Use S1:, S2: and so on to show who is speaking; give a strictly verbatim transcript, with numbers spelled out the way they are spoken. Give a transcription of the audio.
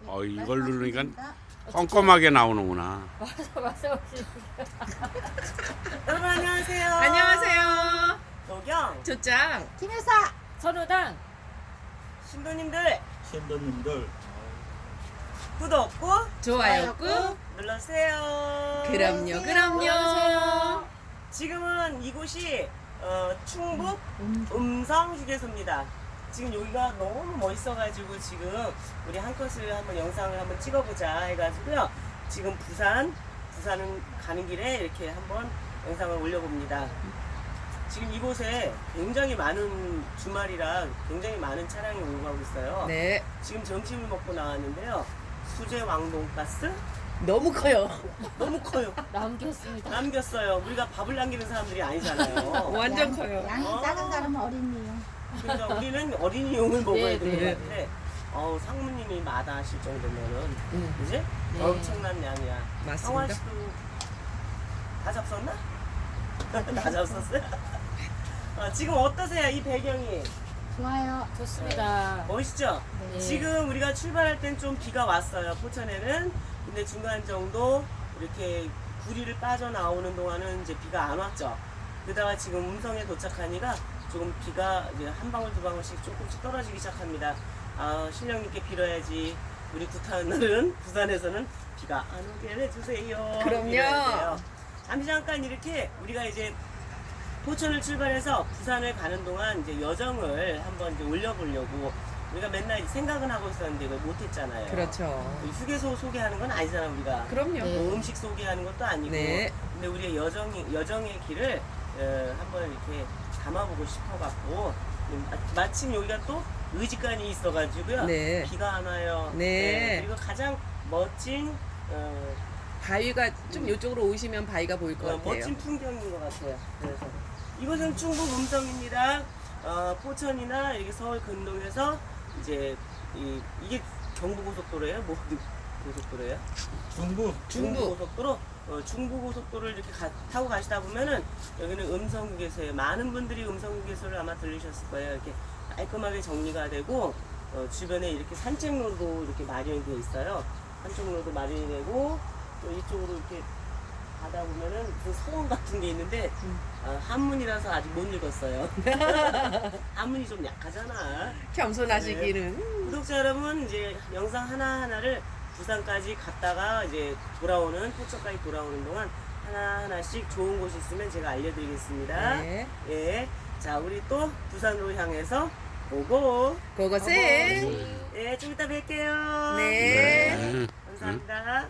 S1: 어, 이걸 누르니까 꼼꼼하게 나오는구나.
S2: 맞아 맞아.
S3: 여러분 안녕하세요.
S4: 안녕하세요.
S3: 도경
S4: 조짱.
S2: 김여사 선우당
S3: 신도님들
S5: 신도님들
S3: 구독 꾹
S4: 좋아요 꾹.
S3: 눌러주세요.
S4: 그럼요, 그럼요.
S3: 지금은 이곳이 어, 충북 음성 휴게소입니다. 지금 여기가 너무 멋있어가지고 지금 우리 한 컷을 한번 영상을 한번 찍어보자 해가지고요. 지금 부산 부산은 가는 길에 이렇게 한번 영상을 올려봅니다. 지금 이곳에 굉장히 많은 주말이라 굉장히 많은 차량이 오고 가고 있어요.
S4: 네.
S3: 지금 점심을 먹고 나왔는데요. 수제 왕돈가스
S4: 너무 커요.
S3: 너무 커요.
S2: 남겼습니다.
S3: 남겼어요. 우리가 밥을 남기는 사람들이 아니잖아요.
S4: 완전
S6: 양-
S4: 커요.
S6: 양이
S3: 어.
S6: 작은 사람은 어린이요.
S3: 그러니까 우리는 어린이용을 먹어야
S2: 네,
S3: 되는
S4: 네.
S3: 것 같은데 어우 상무님이 마다하실 정도면은
S4: 음,
S3: 그지?
S2: 네.
S3: 엄청난 양이야.
S4: 맞습니다.
S3: 성환 씨도 다 잡섰나? 다 잡섰어요? 어, 지금 어떠세요? 이 배경이
S6: 좋아요.
S2: 좋습니다.
S3: 멋있죠?
S2: 네.
S3: 지금 우리가 출발할 땐 좀 비가 왔어요. 포천에는. 근데 중간 정도 이렇게 구리를 빠져나오는 동안은 이제 비가 안 왔죠. 그러다가 지금 음성에 도착하니까 조금 비가 이제 한 방울 두 방울씩 조금씩 떨어지기 시작합니다. 아, 신령님께 빌어야지. 우리 구타는 날은 부산에서는 비가 안 오게 해주세요.
S4: 그럼요.
S3: 빌어야 돼요. 잠시 잠깐 이렇게 우리가 이제 포천을 출발해서 부산을 가는 동안 이제 여정을 한번 이제 올려보려고 우리가 맨날 생각은 하고 있었는데 이걸 못했잖아요.
S4: 그렇죠.
S3: 이 휴게소 소개하는 건 아니잖아 우리가.
S4: 그럼요.
S2: 네.
S3: 뭐 음식 소개하는 것도 아니고.
S4: 네.
S3: 근데 우리의 여정이 여정의 길을 어, 한번 이렇게 담아보고 싶어갖고 음, 마- 마침 여기가 또 의지간이 있어가지고요.
S4: 네.
S3: 비가 안 와요.
S4: 네.
S3: 그리고 가장 멋진 어,
S4: 바위가 좀 이쪽으로 오시면 바위가 보일 것
S3: 어,
S4: 같아요.
S3: 멋진 풍경인 것 같아요. 그래서 이곳은 충북 음성입니다. 어, 포천이나 여기 서울 근동에서 이제 이, 이게 경부고속도로예요? 뭐 고속도로예요?
S5: 중부
S4: 중부.
S3: 중부고속도로. 어, 중부고속도로를 이렇게 가- 타고 가시다 보면은 여기는 음성휴게소예요. 많은 분들이 음성휴게소를 아마 들리셨을 거예요. 이렇게 깔끔하게 정리가 되고 어, 주변에 이렇게 산책로도 이렇게 마련이 되어 있어요. 산책로도 마련이 되고 또 이쪽으로 이렇게 가다 보면은 무슨 소원 같은 게 있는데 어, 한문이라서 아직 못 읽었어요. 한문이 좀 약하잖아.
S4: 겸손하시기는.
S3: 구독자 여러분 이제 영상 하나 하나를 부산까지 갔다가 이제 돌아오는 포천까지 돌아오는 동안 하나 하나씩 좋은 곳이 있으면 제가 알려드리겠습니다.
S4: 네.
S3: 예, 자 우리 또 부산으로 향해서 오고.
S4: 고고생.
S3: 예, 좀 이따 뵐게요.
S4: 네.
S1: 네.
S3: 감사합니다.